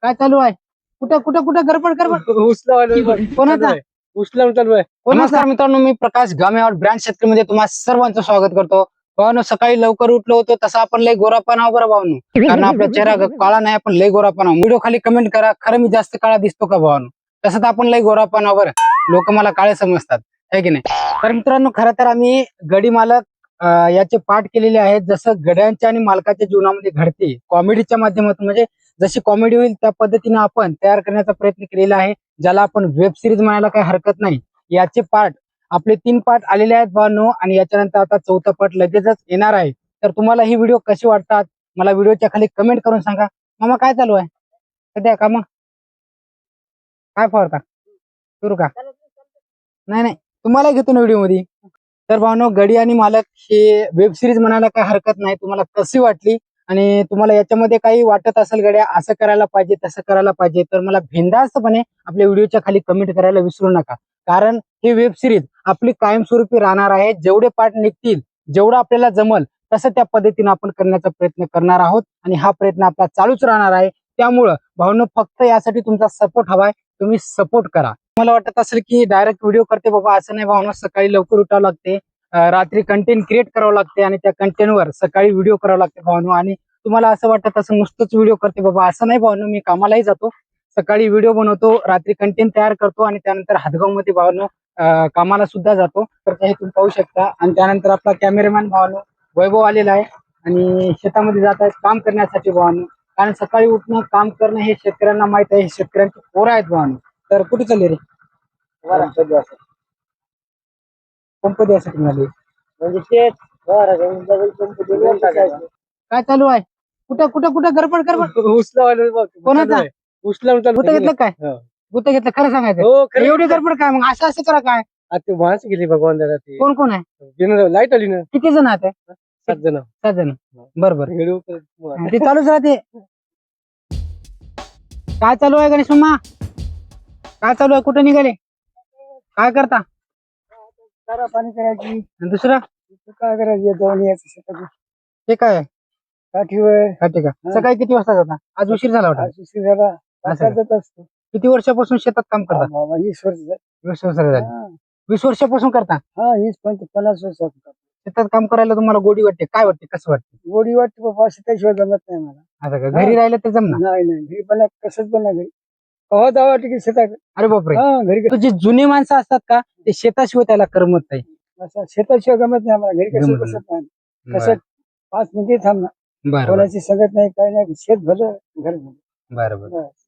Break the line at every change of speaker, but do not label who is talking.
काय चालू आहे? कुठं कुठं कुठं गडबड गडबड कोणाचा?
उचला चालू आहे.
नमस्कार मित्रांनो, मी प्रकाश गामेवाड ब्रँड शेतकरीमध्ये तुम्हा सर्वांचं स्वागत करतो. भावानो, सकाळी लवकर उठलो होतो तसं आपण लय गोरापान आहो बरं भावानो, कारण आपला चेहरा काळा नाही, आपण लय गोरापान आहो. व्हिडिओ खाली कमेंट करा, खरं मी जास्त काळा दिसतो का भावानो? तसं तर आपण लय गोरापान आहो बरं, लोक मला काळे समजतात, है की नाही? तर मित्रांनो, खरं तर आम्ही गडी मालक याचे पाठ केलेले आहेत. जसं गड्यांच्या आणि मालकाच्या जीवनामध्ये घडते कॉमेडीच्या माध्यमातून, म्हणजे जशी कॉमेडी होईल त्या पद्धतीने आपण तयार करण्याचा प्रयत्न केलेला आहे, ज्याला आपण वेब सिरीज म्हणायला काही हरकत नाही. याचे पार्ट आपले 3 पार्ट आलेले आहेत भावांनो, आणि याच्यानंतर आता 4था पार्ट लगेचच येणार आहे. तर तुम्हाला ही व्हिडिओ कशी वाटतात मला व्हिडिओच्या खाली कमेंट करून सांगा. मामा, काय चालू आहे सध्या? का मग काय फवारता? सुरू का? नाही नाही, तुम्हाला घेतो ना व्हिडिओ मध्ये. तर भावांनो, गडी आणि मालक हे वेब सिरीज म्हणायला काही हरकत नाही. तुम्हाला कशी वाटली आणि तुम्हाला याच्यामध्ये काही वाटत असेल गड्या असं करायला पाहिजे तसं करायला पाहिजे, तर मला बिनधास्तपणे आपल्या व्हिडिओच्या खाली कमेंट करायला विसरू नका. कारण ही वेब सिरीज आपली कायमस्वरूपी राहणार आहे. जेवढे पार्ट निघतील, जेवढं आपल्याला जमल तसं त्या पद्धतीने आपण करण्याचा प्रयत्न करणार आहोत, आणि हा प्रयत्न आपला चालूच राहणार आहे. त्यामुळं भावनो, फक्त यासाठी तुमचा सपोर्ट हवाय. तुम्ही सपोर्ट करा. मला वाटत असेल की डायरेक्ट व्हिडिओ करते बाबा, असं नाही भावनो. सकाळी लवकर उठावं लागते, रात्री कंटेंट क्रिएट करावं लागते, आणि त्या कंटेंटवर सकाळी व्हिडिओ करावं लागते भावनो. आणि तुम्हाला असं वाटत असं नुसतंच व्हिडिओ करते बाबा, असं नाही भावनो. मी कामालाही जातो, सकाळी व्हिडिओ बनवतो, रात्री कंटेंट तयार करतो, आणि त्यानंतर हातगाव मध्ये भावनो कामाला सुद्धा जातो. तर हे तुम्ही पाहू शकता. आणि त्यानंतर आपला कॅमेरामॅन भावनो वैभव आलेला आहे, आणि शेतामध्ये जात आहेत काम करण्यासाठी भावनो. कारण सकाळी उठणं, काम करणं हे शेतकऱ्यांना माहित आहे, हे शेतकऱ्यांची पोरं आहेत भावनो. तर कुठे चालले रे? पंप द्यासाठी मिळाले म्हणजे ते काय चालू आहे? कुठं कुठं कुठं गडबड गडबड कोणाचा? गुत्त घेतलं काय? गुत्त घेतलं खरं सांगायचं? एवढी गडबड काय मग? असं असं करा काय?
ते माणसं गेली भगवान दादा. ते
कोण कोण आहे?
लाईट आली ना.
किती जण आहेत?
7 जण.
7 जण. बरोबर, ते चालूच राहते. काय चालू आहे गणेश मामा? काय चालू आहे? कुठं निघाले? काय करता?
चारा पाणी करायची.
आणि दुसरं
काय करायची? जाऊन यायचं शेतात.
ते काय आहे?
काठीवर.
ठीक आहे. सकाळी किती वाजता जाता? आज उशीर झाला होता.
उशीर झाला.
असं
जात असतो.
किती वर्षापासून शेतात काम करता?
20 वर्ष.
20 वर्ष झाली. 20 वर्षापासून करता?
हा, 50 वर्ष.
शेतात काम करायला तुम्हाला गोडी वाटते? काय वाटते, कसं वाटते?
गोडी वाटते बाबा, शेताशिवाय जमत नाही मला.
असं का? घरी राहिलं तर जमणार?
नाही नाही, घरी पण कसंच पण नाही. घरी कवा जावं वाटतं की शेतात.
अरे बापरे.
हा, घरी
तो जे जुने माणसं असतात का, ते शेताशिवाय त्याला करमत नाही.
असं शेताशिवाय जमत नाही आम्हाला. घरी कसं बसत नाही. कसं 5 मिनिटे थांबणार.
बरं
कोणाची सगत नाही, काही नाही. शेत भलं, घर भलं.
बरं.